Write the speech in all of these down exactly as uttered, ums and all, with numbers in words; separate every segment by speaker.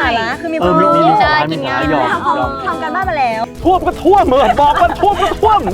Speaker 1: าระคือมีค
Speaker 2: เอ
Speaker 1: วา
Speaker 2: อ
Speaker 1: ม
Speaker 2: มี
Speaker 1: รู้
Speaker 2: มีสาระมีสาระยอมยอม
Speaker 1: ทำกันบ้านมาแล้ว
Speaker 2: ท่วมก็ท่วมเหมือนบอกว่าท่วมก็ท่วม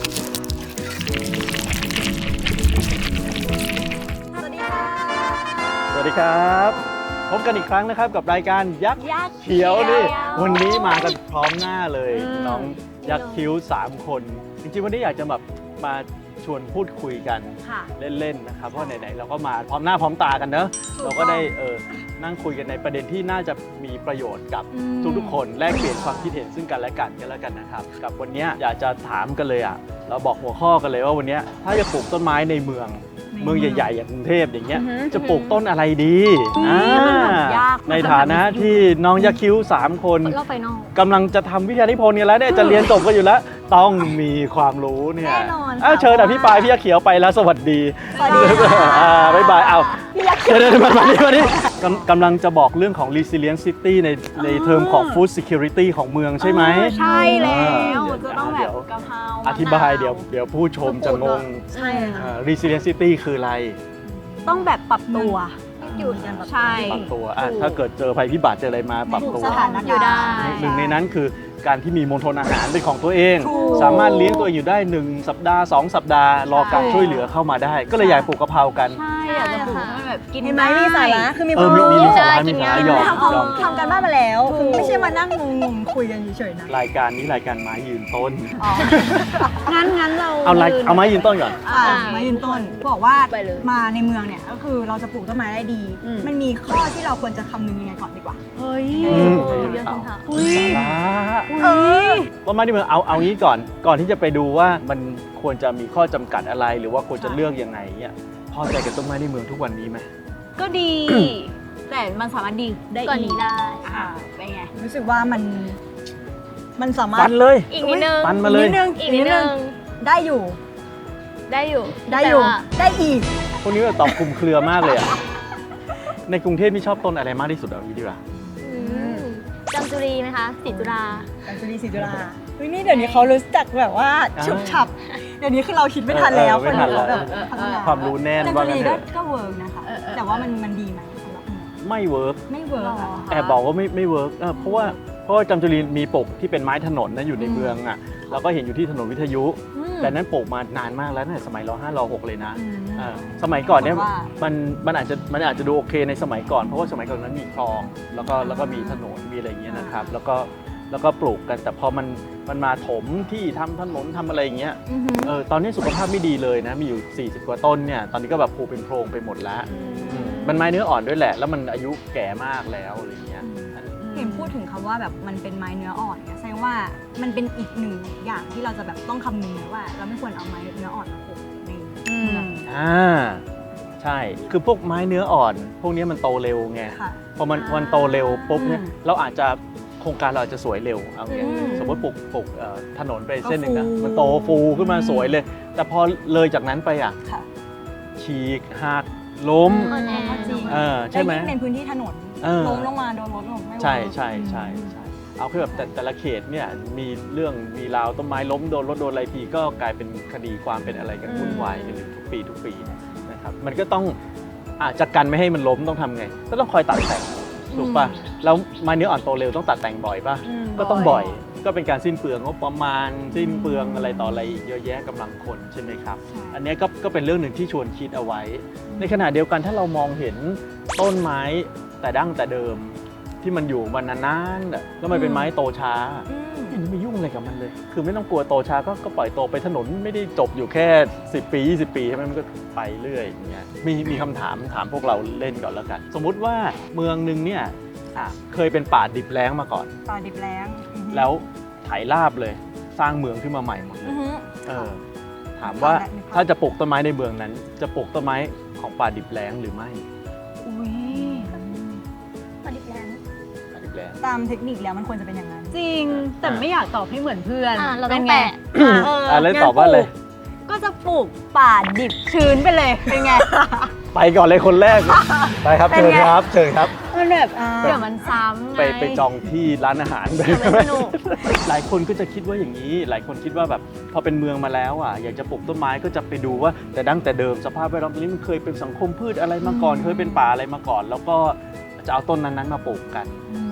Speaker 1: สวัสดีค่ะ
Speaker 2: สวัสดีครับพบกันอีกครั้งนะครับกับรายการยักษ์
Speaker 1: ยักษ์
Speaker 2: เขียวนี่
Speaker 1: เขียว
Speaker 2: วันนี้มากันพร้อมหน้าเลย
Speaker 1: อืม
Speaker 2: น้องยักษ์คิ้วสามคน จริงๆวันนี้อยากจะแบบมาชวนพูดคุยกัน
Speaker 1: ค่ะ
Speaker 2: เล่นๆนะครับเพราะไหนๆเราก็มาพร้อมหน้าพร้อมตากันเนอะ
Speaker 1: ถูก
Speaker 2: เราก็ได้เออนั่งคุยกันในประเด็นที่น่าจะมีประโยชน์กับ
Speaker 1: อืม
Speaker 2: ทุกๆคนแลกเปลี่ยนความคิดเห็นซึ่งกันและกันกันแล้วกันนะครับกับวันนี้อยากจะถามกันเลยอ่ะเราบอกหัวข้อกันเลยว่าวันนี้ถ้าจะปลูกต้นไม้ในเมือง เมืองใหญ่ๆอย่างกรุงเทพอย่างเงี้ย
Speaker 1: อือหือ
Speaker 2: จะปลูกต้นอะไรดี
Speaker 1: อืม
Speaker 2: อ่า
Speaker 1: มันแบบยาก
Speaker 2: ในฐานะที่น้องยักษ์คิ้วสามคน
Speaker 1: รอบไฟนอล
Speaker 2: กำลังจะทำวิทยานิพนธ์กันแล้วเนี่ยจะเรียนจบกันอยู่แล้ว ต้องมีความรู้เนี่ย
Speaker 1: แน่นอน
Speaker 2: อ้าว
Speaker 1: ค่ะ
Speaker 2: เชิญอภิปรายพี่ยักษ์เขียวไปแล้วสวัสดี
Speaker 1: สวัสดีค่ะ
Speaker 2: อ่าบ๊ายบายเอา
Speaker 1: พี่ยักษ์
Speaker 2: เดี๋ยวเดี๋ยวมามานี่มานี่กำกำลังจะบอกเรื่องของ resilient city ในในเทอมของ food security ของเมืองใช่ไหม
Speaker 1: เออใช่แล้ว
Speaker 2: เดี๋ยว
Speaker 1: จะต้องแบบกะเพรา
Speaker 2: อธิบายเดี๋ยวเดี๋ยวผู้ชมจะงง
Speaker 1: ใช่ค่ะ
Speaker 2: อ่า resilient city คืออะไร
Speaker 1: ต้องแบบปรับตัว
Speaker 2: อยู่
Speaker 1: ใช่
Speaker 2: ปรับตัวอ่ะ
Speaker 1: ถูก
Speaker 2: ถ้าเกิดเจอภัยพิบัติเจออะไรมาปรับตัว
Speaker 1: สถานการณ์
Speaker 3: อยู่ได้
Speaker 2: หนึ่งในนั้นคือการที่มีมณฑลอาหารเป็นของตัวเอง
Speaker 1: ถูก
Speaker 2: สามารถเลี้ยงตัวเองอยู่ได้หนึ่งสัปดาห์สองสัปดาห์รอการ
Speaker 1: ใช่
Speaker 2: ช่วยเหลือเข้ามาได้ ก็เลยอยากปลูกกะเพรากัน
Speaker 1: ใช่อยากจะปลูก
Speaker 3: ใช่ค่ะ
Speaker 1: ให้แบบกิน
Speaker 4: เห็นไหมมีสาระคือมี
Speaker 2: เอ
Speaker 4: ค
Speaker 2: อ
Speaker 4: วาม
Speaker 2: มี
Speaker 4: รู้
Speaker 2: มีมีสาระ
Speaker 3: กิ
Speaker 2: มี
Speaker 3: น
Speaker 2: สา
Speaker 3: ง่าย
Speaker 2: ระยอม
Speaker 1: ทำ
Speaker 2: ยอม
Speaker 4: ทำกันบ้านมาแล้ว
Speaker 1: ถูก
Speaker 4: คือไม่ใช่มานั่งงงๆคุยกันเฉยๆนะ
Speaker 2: รายการนี้รายการไม้ยืนต้น
Speaker 1: อ๋องั้นงั้นเรา
Speaker 2: เอารายเอาไม้ยืนต้นก่อน
Speaker 4: อ่า
Speaker 1: อ่า
Speaker 4: มายืนต้นบอกว่า
Speaker 3: ไปเลย
Speaker 4: มาในเมืองเนี่ยก็คือเราจะปลูกต้นไม้ได้ดี
Speaker 1: อืม
Speaker 4: มันมีข้อที่เราควรจะคำนึงยังไงก่อนดีกว่า
Speaker 1: เฮ้ย
Speaker 2: อืม
Speaker 3: เยอะคำถาม
Speaker 1: อุ้ย
Speaker 2: สาระ
Speaker 4: เออ
Speaker 2: ต้นไม้ที่เมืองเอาเอางี้ก่อน ก่อนที่จะไปดูว่ามันควรจะมีข้อจำกัดอะไร หรือว่าควรจะเลือกยังไงเนี่ยพอใจกับต้นไม้ในเมืองทุกวันนี้ไหม
Speaker 1: ก็ดี แต่มันสามารถดีได้
Speaker 3: ก่อน
Speaker 1: อี
Speaker 3: นี้
Speaker 1: ก
Speaker 3: ได้
Speaker 1: อ่าเป็นไง
Speaker 4: รู้สึกว่ามันมันสามาร
Speaker 2: ปั
Speaker 4: ถ
Speaker 2: นเลย
Speaker 3: อีกนิดนึง
Speaker 2: ปันมาเลย
Speaker 4: นิดนึง
Speaker 3: อีกนิดนึง
Speaker 4: ได้อยู่
Speaker 3: ได้อยู่
Speaker 4: ได้อยู่
Speaker 3: แต่ว่า
Speaker 4: ได้อีก
Speaker 2: พวกนี้แบบตอบคลุมเครือมากเลยอะในกรุงเทพนี่ชอบต้นอะไรมากที่สุดเอางี้ดีกว่า
Speaker 3: อืมจำจุรีไหมคะสีจุฬา
Speaker 4: การจุลีศรีจุฬาเฮ้ยนี่เดี๋ยวนี้เขารู้จักแบบว่า
Speaker 2: อ่า
Speaker 4: ฉุบฉับ เดี๋ยวนี้คือเราคิดไม่ทันแล้ว
Speaker 2: เออไม่ทันแล้ว
Speaker 4: คนแบบพัฒนา
Speaker 2: ความรู้แน่น
Speaker 4: การ
Speaker 2: ว่า
Speaker 4: จุ
Speaker 2: งั้
Speaker 4: ลี
Speaker 2: นเถ
Speaker 4: ก็
Speaker 2: อะ
Speaker 4: ก็เวิร์กนะคะ
Speaker 1: เออเออ
Speaker 4: แต่ว่ามันมันดีไหมสำหรับคุณ
Speaker 2: ไม่เวิร์ก
Speaker 4: ไม่เวิร์กอะ
Speaker 2: แอบบอกว่าไม่ไม่เวิร์กเออเพราะว่าเพราะว่าจำจุรีมีปลูกที่เป็นไม้ถนนนะอยู่ในเมืองอ่ะเราก็เห็นอยู่ที่ถนนวิทยุ
Speaker 1: อืม
Speaker 2: แต่นั้นปลูกมานานมากแล้วตั้งแต่สมัยรห้ารหกเลยนะ
Speaker 4: อืม
Speaker 2: เออสมัยก่อนเนี่ย
Speaker 4: ว่า
Speaker 2: มันมันอาจจะมันอาจจะดูโอเคในสมัยก่อนเพราะว่าสมัยก่อนนั้นมีคลองแล้วก็แล้วก็มีถนนมีอะไรอย่างเงี้ยนะครับแล้วก็แล้วก็ปลูกกันแต่พอมันมันมาถมที่ทำถนนทำอะไรอย่างเงี้ย
Speaker 1: อือหือ
Speaker 2: เออตอนนี้สุขภาพไม่ดีเลยนะมีอยู่สี่สิบกว่าต้นเนี่ยตอนนี้ก็แบบผุเป็นโพรงไปหมดแล้วอืมมันไม้เนื้ออ่อนด้วยแหละ แล้วมันอายุแก่มากแล้วอะไรอย่างเงี้ย
Speaker 4: เห็นพูดถึงคำว่าแบบมันเป็นไม้เนื้ออ่อนเนี่ยแสดงว่ามันเป็นอีกหนึ่งอย่างที่เราจะแบบต้องคำนึงนะว่า เราไม่ควรเอาไม้เนื้ออ่อนมาปลูกใน
Speaker 1: อื
Speaker 4: เมือง
Speaker 1: ม
Speaker 2: อ่าใช่ คือพวกไม้เนื้ออ่อน พวกนี้มันโตเร็วไง
Speaker 4: ค่ะ
Speaker 2: พอมันมันโตเร็วปุ๊บเนี่ย
Speaker 4: อืม
Speaker 2: เราอาจจะโครงการเราอาจจะสวยเร็วเอางี้
Speaker 1: อืม
Speaker 2: สมมติปลูกปลูกเอ่อถนนไปเส้นหนึ่งนะ
Speaker 4: ก็ฟู
Speaker 2: มันโตฟูขึ้นมาสวยเลย แต่พอเลยจากนั้นไปอ่ะ
Speaker 4: ค่ะ
Speaker 2: ฉีกหักล้ม
Speaker 3: อ่อนแอ
Speaker 4: ก็จริง
Speaker 2: เออใช่ไหม
Speaker 4: และยิ่งเป็นพื้นที่ถนน
Speaker 2: เออ
Speaker 4: ล้มลงมาโดนรถล้มไม่เวิร์ก
Speaker 2: ใช่ใช่ใช่ใช่เอาแค่แบบแต่แต่ละเขตเนี่ยมีเรื่องมีราวต้นไม้ล้มโดนรถโดนอะไรทีก็กลายเป็นคดีความเป็นอะไรกันวุ่นวายกันอยู่ทุกปีทุกปีนะครับมันก็ต้องอาจจะกันไม่ให้มันล้มต้องทำไง ก็ต้องคอยตัดแต่งถูกป่ะแล้วไม้เนื้ออ่อนโตเร็วต้องตัดแต่งบ่อยป่ะ
Speaker 1: อืม
Speaker 2: ก็ต้องบ่อยก็เป็นการสิ้นเปลืองงบประมาณสิ้นเปลืองอะไรต่ออะไรอีกเยอะแยะกำลังคนใช่ไหมครับ
Speaker 4: ใช่
Speaker 2: อันนี้ก็ก็เป็นเรื่องหนึ่งที่ชวนคิดเอาไว้ ในขณะเดียวกันถ้าเรามองเห็นต้นไม้แต่ดั้งแต่เดิมที่มันอยู่มานานๆน่ะแล้วมันเป็นไม้โตช้า
Speaker 1: อืม
Speaker 2: ไม่ไม่ยุ่งอะไรกับมันเลย คือไม่ต้องกลัวโตช้าก็ก็ปล่อยโตไปถนนไม่ได้จบอยู่แค่สิบปียี่สิบปีใช่ไหมมันก็ไปเรื่อยอย่างเงี้ยมีมีคำถามถามพวกเราเล่นก่อนแล้วกัน สมมุติว่าเมืองหนึงเนี่ยอ่ะเคยเป็นป่าดิบแล้งมาก่อน
Speaker 4: ป่าดิบแล้งอือฮึ
Speaker 2: แล้วไถราบเลยสร้างเมืองขึ้นมาใหม่หมดเล
Speaker 1: อื
Speaker 2: ย
Speaker 1: อหือ
Speaker 2: เออถามว่า
Speaker 4: นึกภพ
Speaker 2: ถ้าจะปลูกต้นไม้ในเมืองนั้น จะปลูกต้นไม้ของป่าดิบแล้งหรือไม่
Speaker 1: อุ้ย
Speaker 3: พอดีแรง
Speaker 2: ป่าดิบแล้ง
Speaker 4: ตามเทคนิคแล้วมันควรจะเป็นอย่างนั้น
Speaker 1: จริง แต่ไม่อยากตอบให้เหมือนเพื่อน
Speaker 3: อ่ะเราต้อง
Speaker 1: ป็นไ
Speaker 3: แปะ
Speaker 1: อ่ะเออ
Speaker 2: อ่ะแล้ว
Speaker 1: งั้น
Speaker 2: ตอบว่าอะไร
Speaker 1: ปลูกก็จะปลูกป่าดิบชื้นไปเลยเป็นไง
Speaker 2: ไปก่อนเลยคนแรก ไปครับ
Speaker 1: เป็น
Speaker 2: เชิญ
Speaker 1: ไง
Speaker 2: ครับเชิญครับ
Speaker 1: มันแบบ
Speaker 4: อ่า
Speaker 1: เดี๋ยวมันซ้ำ
Speaker 2: ไป
Speaker 1: ง
Speaker 2: ไปจองที่ร้านอาหารไป
Speaker 1: เดี๋ยวมันสนุก
Speaker 2: หลายคนก็จะคิดว่าอย่างนี้ หลายคนคิดว่าแบบพอเป็นเมืองมาแล้วอ่ะอยากจะปลูกต้นไม้ก็จะไปดูว่าแต่ดั้งแต่เดิมสภาพแวดล้อมตรงนี้มันเคยเป็นสังคมพืชอะไรมาก่อน เคยเป็นป่าอะไรมาก่อน แล้วก็จะเอาต้นนั้นๆมาปลูกกัน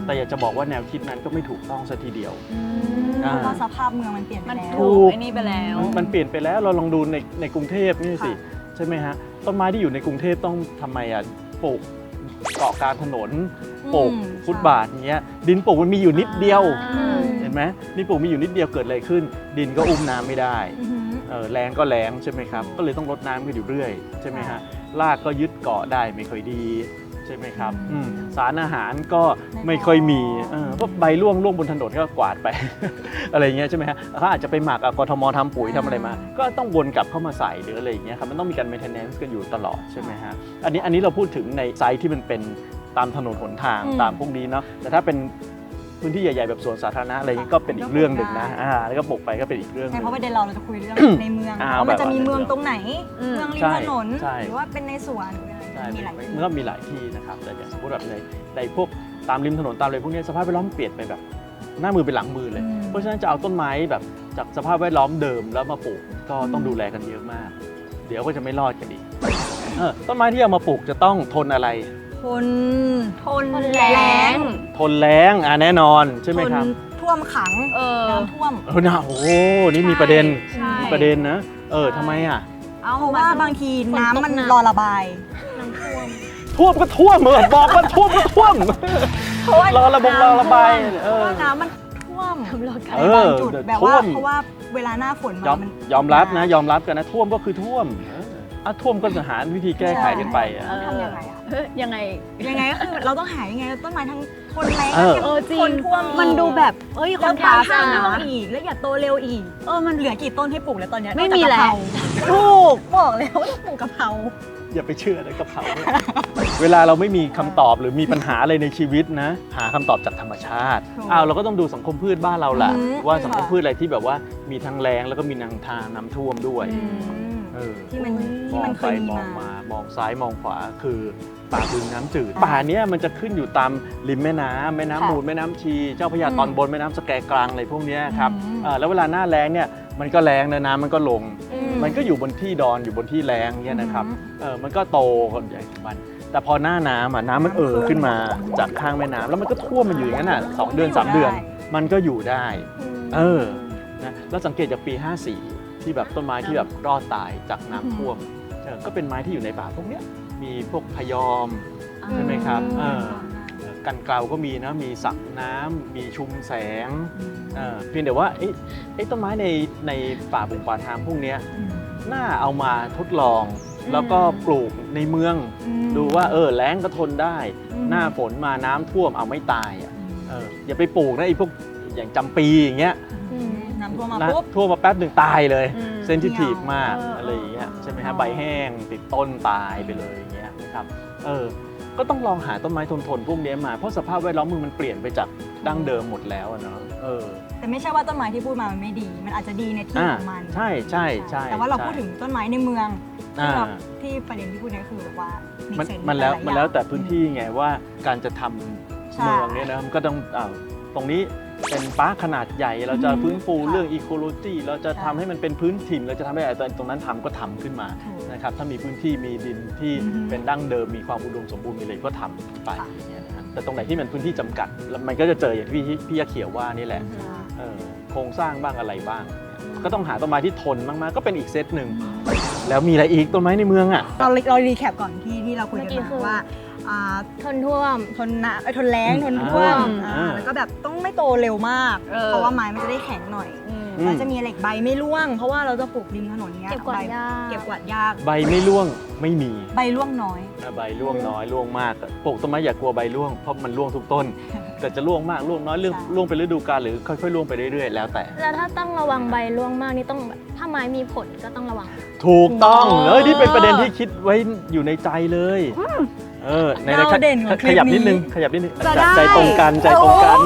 Speaker 2: แต่อยากจะบอกว่าแนวคิดนั้นก็ไม่ถูกต้องซะทีเดียว
Speaker 4: เพราะว่าสภาพเมืองมันเปลี่ยนไป
Speaker 1: มัน
Speaker 4: แล้ว
Speaker 1: ถู
Speaker 2: ถู
Speaker 1: ก
Speaker 2: ก
Speaker 1: ไอ้นี่ไปแล้ว
Speaker 2: มันเปลี่ยนไปแล้วเราลองดูในในกรุงเทพนี่สิ
Speaker 4: ค่ะ
Speaker 2: ใช่ไหมฮะต้นไม้ที่อยู่ในกรุงเทพต้องทำไมอ่ะปลูกเกาะกลางถนนปลูก
Speaker 4: อืม
Speaker 2: ฟุตบาทอย่างเงี้ยดินปลูกมันมีอยู่นิดเดียว
Speaker 1: อืม
Speaker 2: เห็นไหมดินปลูกมีอยู่นิดเดียวเกิดอะไรขึ้น ดินก็อุ้มน้ำไม่ได้
Speaker 4: อือหือ
Speaker 2: เออแรงก็แรงใช่ไหมครับก็เลยต้องรดน้ำกันอยู่เรื่อยใช่ไหมฮะรากก็ยึดเกาะได้ไม่ค่อยดีใช่ไหมครับอืมสารอาหารก็ไม่ค่อยมีเออเพราะใบร่วงร่วงบนถนนก็กวาดไป อะไรอย่างเงี้ยใช่ไหมฮะเขาอาจจะไปหมักอ่ะกทมทำปุ๋ยทำอะไรมา ก็ต้องวนกลับเข้ามาใส่หรืออะไรอย่างเงี้ยครับมันต้องมีการ maintenance กันอยู่ตลอดใช่ไหมฮะอันนี้อันนี้เราพูดถึงในไซต์ที่มันเป็นตามถนนหนทาง
Speaker 4: อืม
Speaker 2: ตามพวกนี้เนาะแต่ถ้าเป็นพื้นที่ใหญ่ๆแบบสวนสาธารณะอะไรอย่างเงี้ยก็เป็นอีกเรื่องหนึ่งนะอ่าแล้วก็ปลูกไปก็เป็นอีกเรื่องห
Speaker 4: ใช่
Speaker 2: นึ่ง
Speaker 4: เพราะประเด็นเราเราจะคุยเรื่อง ในเมือง
Speaker 2: อ่า
Speaker 4: ว่ามันจะมี
Speaker 2: แบบว่า
Speaker 4: เมืองตรงไหน
Speaker 1: อืม
Speaker 4: เมืองริ
Speaker 2: ใช่
Speaker 4: มถนน
Speaker 2: ใช่
Speaker 4: หรือว่าเป็นในสวนหรืออะไร
Speaker 2: ใช่
Speaker 4: มีหลายที่
Speaker 2: มันก็มีหลายที่นะครับแต่อย่างสมมติแบบในในพวกตามริมถนนตามอะไรพวกเนี้ยสภาพแวดล้อมเปลี่ยนไปแบบหน้ามือเป็นหลังมือเลย
Speaker 4: อืม
Speaker 2: เพราะฉะนั้นจะเอาต้นไม้แบบจากสภาพแวดล้อมเดิมแล้วมาปลูกก็ต้องดูแลกันเยอะมาก เดี๋ยวก็จะไม่รอดกันอีกเออต้นไม้ที่เอามาปลูกจะต้องทนอะไร
Speaker 4: ทน
Speaker 1: ทน
Speaker 3: ทน
Speaker 1: แร
Speaker 3: แรง
Speaker 1: ง
Speaker 2: ทนแล้งอ่ะแน่นอนใช่ไหมครับ
Speaker 4: ทนท่วมขัง
Speaker 1: เออ
Speaker 4: น้ำท่วม
Speaker 2: เออนะโอ้โหนี่มีประเด็น
Speaker 1: ใช่
Speaker 2: มีประเด็นนะเออทำไมอ่ะ
Speaker 1: เอา
Speaker 4: เพราะว่าบางทีน้ำมัน
Speaker 3: ฝนตกหนัก
Speaker 4: รอระบาย
Speaker 3: น้ำท่วม
Speaker 2: ท่วมก็ท่วมเออบอกว่าท่วมก็ท่วม
Speaker 4: เพราะว่าร
Speaker 2: อระบงรอระบาย
Speaker 4: เพ
Speaker 2: เอ
Speaker 4: ราะ
Speaker 2: อ
Speaker 4: ว่าน้ำมันท่วม
Speaker 3: ทำรอกัน
Speaker 2: เอ
Speaker 4: ใน
Speaker 2: อ
Speaker 4: บางจุด
Speaker 2: เดี๋ยว
Speaker 4: แบบ
Speaker 2: ท่
Speaker 4: ว่าว
Speaker 2: ม
Speaker 4: เพราะว่าเวลาหน้าฝน
Speaker 2: ยอ
Speaker 4: มาม มัน
Speaker 2: ยอมรับนะยอมรับกันนะท่วมก็คือท่วมเอออ่ะท่วมก็จะหาวิธีแก้ไขกันไปอ่ะ
Speaker 4: ต้องทำยังไงอะ
Speaker 1: เฮ้ยยังไง
Speaker 4: ยังไงก็คือเราต้องหายังไงต้นไม้ทั้งทนแรง
Speaker 2: เออ
Speaker 1: เออจริง
Speaker 4: ทนท่วมอีก
Speaker 1: มันดูแบบเอ้ยค
Speaker 4: แล้
Speaker 1: อ
Speaker 4: วน
Speaker 1: ทราสต์
Speaker 4: ถ้า
Speaker 1: อะ
Speaker 4: ท่วม
Speaker 1: นะ
Speaker 4: อีกแล้วอย่าโตเร็วอีก เออมันเหลือกี่ต้นให้ปลูกแล้วตอนเนี้ย
Speaker 1: ไม่มีแล้ว
Speaker 4: ถูกบอกแล้วว่าต้องปลูกกะเพรา
Speaker 2: อย่าไปเชื่อนะกะเพราเนี่ยเวลาเราไม่มีคำตอบหรือมีปัญหาอะไรในชีวิตนะ หาคำตอบจากธรรมชาติ
Speaker 4: ถูก
Speaker 2: อ้าวเราก็ต้องดูสังคมพืชบ้านเราแหละ
Speaker 4: อืม
Speaker 2: ว่าสังคม
Speaker 4: ค่ะ
Speaker 2: พืชอะไรที่แบบว่ามีทั้งแรงแล้วก็มีทางทางน้ำท่วมด้วย
Speaker 4: อืม
Speaker 2: เออ
Speaker 4: ที่มัน
Speaker 2: ม
Speaker 4: ที่
Speaker 2: อง
Speaker 4: มันเค
Speaker 2: ไป
Speaker 4: ยมี
Speaker 2: มอง
Speaker 4: มา
Speaker 2: มามองซ้ายมองขวาคือป่าบึงน้ำจืด
Speaker 4: อ่า
Speaker 2: ป่าเนี้ยมันจะขึ้นอยู่ตามริมแม่น้ำแม่น้ำ
Speaker 4: ค่ะ
Speaker 2: มูลแม่น้ำชี เจ้าพระยา
Speaker 4: อืม
Speaker 2: ตอนบนแม่น้ำสแกกลางอะไรพวกเนี้ยครับ
Speaker 4: อืม
Speaker 2: เออแล้วเวลาหน้าแล้งเนี่ยมันก็แรงนะน้ำมันก็ลง
Speaker 4: อืม
Speaker 2: มันก็อยู่บนที่ดอนอยู่บนที่แรงเนี่ยนะครับ
Speaker 4: อืม
Speaker 2: เออมันก็โตคนใหญ่ของมัน แต่พอหน้าน้ำอ่ะน้ำมันเอ่อขึ้นมาจากข้างแม่น้ำแล้วมันก็ท่วมมันอยู่อย่างนั้นอ่ะสองเดือนสามเดือน มันก็อยู่ได้ เออนะแล้วสังเกตจากปี ห้าสี่ ที่แบบต้นไม้ที่แบบรอดตายจากน้ำท่วมเออก็เป็นไม้ที่อยู่ในป่าพวกเนี้ยมีพวกพยอม ใช่ไหมครับเออ กันเกลาก็มีนะมีสักน้ำมีชุมแสงเออเพียงแต่ว่าไอ้ไอ้ต้นไม้ในในป่าบุงป่าทางพวกเนี้ยน่าเอามาทดลอง แล้วก็ปลูกในเมือง ดูว่าเออแล้งก็ทนได้
Speaker 4: อืม
Speaker 2: หน้าฝนมาน้ำท่วมเอาไม่ตายอ่ะเอออย่าไปปลูกนะไอ้พวกอย่างจำปีอย่างเงี้ย
Speaker 4: น้ำท่วมมา
Speaker 2: นะ
Speaker 4: ปุ๊บ
Speaker 2: ท่วมมาแป๊บหนึ่งตายเลย
Speaker 1: อืม
Speaker 2: เซนซิทีฟมาก
Speaker 4: เอออ
Speaker 2: อะไรอย่างเงี้ย
Speaker 4: เออ
Speaker 2: ใช่ไหมฮะ
Speaker 4: เออ
Speaker 2: ใบแห้งติดต้นตายไปเลยอย่างเงี้ยนะครับเออก็ต้องลองหาต้นไม้ทนทนๆพวกเนี้ยมาเพราะสภาพแวดล้อมมึงมันเปลี่ยนไปจากดั้งเดิมหมดแล้วอะเนาะเออ
Speaker 4: แต่ไม่ใช่ว่าต้นไม้ที่พูดมามันไม่ดี มันอาจจะดีในที่
Speaker 2: อ่า
Speaker 4: ของมัน
Speaker 2: ใช่ใช่ใช่
Speaker 4: แต่ว่าเรา
Speaker 2: ใช่
Speaker 4: พูดถึงต้นไม้ในเมืองที่
Speaker 2: อ่า
Speaker 4: เราที่ประเด็นที่พูดเนี่ยคือแบบว่า
Speaker 2: มั
Speaker 4: มัน
Speaker 2: มันแล้วมันแล้วแต่พื้นที่ไงว่าการจะทำ
Speaker 4: ใช่
Speaker 2: เมืองเนี่ยนะมันก็ต้องอ้าวตรงนี้เป็นปาร์คขนาดใหญ่ เราจะ
Speaker 4: อือฮึ
Speaker 2: ฟื้นฟู
Speaker 4: ค่ะ
Speaker 2: เรื่องอีโคโลจีเราจะ
Speaker 4: ใช่
Speaker 2: ทำให้มันเป็นพื้นถิ่นเราจะทำให้อะไรตรงนั้นทำก็ทำขึ้นมา
Speaker 4: ถูก
Speaker 2: นะครับถ้ามีพื้นที่มีดินที่
Speaker 4: อือฮึ
Speaker 2: เป็นดั้งเดิมมีความอุดมสมบูรณ์มีอะไรก็ทำไป
Speaker 4: ค่ะ
Speaker 2: อย่างเงี้ยนะฮะแต่ตรงไหนที่มันพื้นที่จำกัดแล้วมันก็จะเจออย่างที่พี่พี่ยาเขียวว่านี่แหละเออโครงสร้างบ้างอะไรบ้าง ก็ต้องหาต้นไม้ที่ทนมากๆก็เป็นอีกเซตหนึ่งแล้วมีอะไรอีกต้นไม้ในเมืองอ่ะ
Speaker 4: เราเรารีแคปก่อนที่ที่เราคุยกัน
Speaker 3: เมื่อกี้คือ
Speaker 4: มาว่าอ่า
Speaker 3: ทนท่วม
Speaker 4: ทนน้ำเอ้ยทนแรงทนท่วม
Speaker 2: อ่า
Speaker 4: อ่าแล้วก็แบบต้องไม่โตเร็วมาก
Speaker 1: เออ
Speaker 4: เพราะว่าไม้มันจะได้แข็งหน่อย
Speaker 1: อืม
Speaker 2: อืม
Speaker 4: มันจะมีเหล็กใบไม่ร่วง เพราะว่าเราจะปลูกริมถนนเงี้ย
Speaker 3: เก็บกวาด
Speaker 4: ใบ
Speaker 3: ยาก
Speaker 4: เก็บกวาดยาก
Speaker 2: ใบไม่ร่วงไม่มี
Speaker 4: ใบร่วงน้อย
Speaker 2: อ่ะใบร่วงน้อยร่วงมากปลูกต้นไม้อย่ากลัวใบร่วงเพราะมันร่วงทุกต้น แต่จะร่วงมากร่วงน้อยเรื่อง
Speaker 4: ใช่
Speaker 2: ร่วงเป็นฤดูกาลหรือค่อยๆร่วงไปเรื่อยๆแล้วแต่
Speaker 3: แล้วถ้าต้องระวังใบร่วงมากนี่ต้องแบบถ้าไม้มีผลก็ต้องระวัง
Speaker 2: ถูกต้อง
Speaker 1: โอ้
Speaker 2: เลยนี่เป็นประเด็นที่คิดไว้อยู่ในใจเลยเออใน
Speaker 4: เราเด่นของคลิป
Speaker 2: ขยับนิด
Speaker 4: นี้
Speaker 2: นึงขยับนิดนึง
Speaker 4: จะได้
Speaker 2: ใจตรงกันใจตรงกัน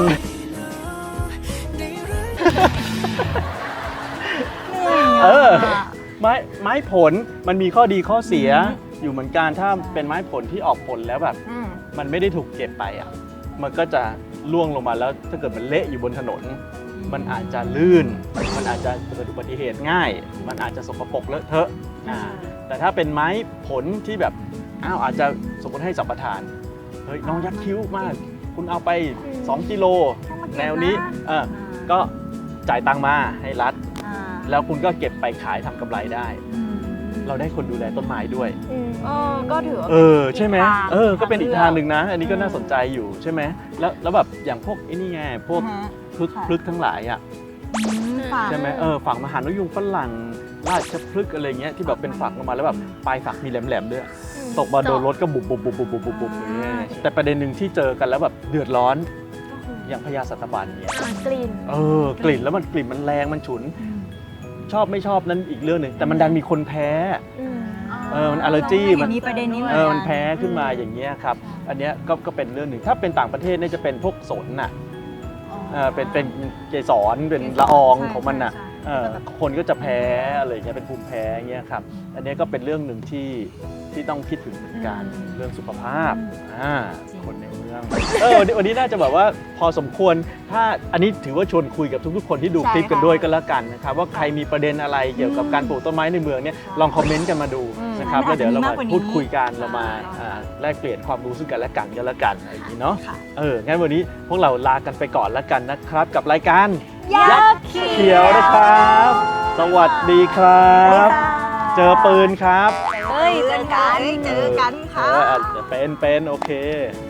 Speaker 2: เออ ไม้ไม้ผลมันมีข้อดีข้อเสีย
Speaker 4: อืม
Speaker 2: อยู่เหมือนกันถ้าเป็นไม้ผลที่ออกผลแล้วแบบ
Speaker 4: อืม
Speaker 2: มันไม่ได้ถูกเก็บไปอ่ะมันก็จะล่วงลงมาแล้วถ้าเกิดมันเละอยู่บนถนน มันอาจจะลื่น มันอาจจะเกิดอุบัติเหตุง่าย มันอาจจะสกปรกเลอะเทอะอ่าแต่ถ้าเป็นไม้ผลที่แบบอ้าวอาจจะสมมติให้สัมปทานเฮ้ยน้องยักษ์คิ้วมากคุณเอาไป
Speaker 3: อืม
Speaker 2: สองกิโล
Speaker 4: ต้องมาเก็บ
Speaker 2: แนวนี้
Speaker 4: นะ
Speaker 2: เออก็จ่ายตังค์มาให้รัฐ
Speaker 4: อ่า
Speaker 2: แล้วคุณก็เก็บไปขายทำกำไรได้
Speaker 4: อืม
Speaker 2: เราได้คนดูแลต้นไม้ด้วย
Speaker 3: อืม
Speaker 1: เออก็ถือว่า
Speaker 2: เออใช่ไหม
Speaker 1: กทาง
Speaker 2: เออก็เป็นอีกทางหนึ่งนะ อันนี้ก็
Speaker 1: อืม
Speaker 2: น่าสนใจอยู่ใช่ไหมแล้วแล้วแบบอย่างพวกไอ้นี่ไงพวก
Speaker 4: อ่าฮะ
Speaker 2: พลึก
Speaker 4: ค่ะ
Speaker 2: พลึกทั้งหลายอ่ะ
Speaker 4: อืมฝาก
Speaker 2: ใช่ไหมเออฝั่งมหานกยุงฝรั่งราชพฤกษ์อะไรเงี้ยที่แบบเป็นฝักลงมาแล้วแบบปลายฝักมีแหลมๆด้วย
Speaker 3: อืม
Speaker 2: ตกมาโดนรถก็บุบบุบบุบบุบบุบบุบบุบอย่างเงี้ยแต่ประเด็นหนึ่งที่เจอกันแล้วแบบเดือดร้อนอย่างพญาสัตบันเนี่ย
Speaker 3: อ่ากลิ่น
Speaker 2: เออกลิ่นแล้วมันกลิ่นมันแรงมันฉุน ชอบไม่ชอบนั้นอีกเรื่องหนึ่งแต่มันดันมีคนแพ้
Speaker 3: อืม
Speaker 2: เออมัน allergy
Speaker 4: มั
Speaker 2: มัน น
Speaker 4: มีประเด็นนี้
Speaker 2: เออมันแพ้ขึ้นมาอย่างเงี้ยครับอันเนี้ยก็ก็เป็นเรื่องหนึ่งถ้าเป็นต่างประเทศเนี่ยจะเป็นพวกสนน่ะเออเป็นเป็นเกสรเป็นละอองของมันน่ะ เออคนก็จะแพ้อะไรอย่างเงี้ยเป็นภูมิแพ้เงี้ยครับอันเนี้ยก็เป็นเรื่องหนึ่งที่ที่ต้องคิดถึงเหมือนกันเรื่องสุขภาพอ่าคนในเมืองเออวันนี้วันนี้น่าจะแบบว่าพอสมควรถ้าอันนี้ถือว่าชวนคุยกับทุกๆ คนที่ดูคลิปกันด้วยกันแล้วกันนะครับว่าใครมีประเด็นอะไรเกี่ยวกับการปลูกต้นไม้ในเมืองเนี่ยลองคอมเมนต์กันมาดูนะครับแล้วเดี๋ยวเรามาพูดคุยกันเรามาอ่าแลกเปลี่ยนความรู้ซึ่งกันและกันกันแล้วกันอะไรอย่างนี้เนาะ
Speaker 4: ค่ะ
Speaker 2: เอองั้นวันนี้พวกเราลากันไปก่อนแล้วกันนะครับกับรายการ
Speaker 4: ยักษ์
Speaker 2: เขียวนะครับ สวัสดีครับ เจอปืนครับ
Speaker 1: เฮ้ยเจอกัน
Speaker 4: เจอกันค่ะ
Speaker 2: เอออาจจะเป็นเป็นโอเค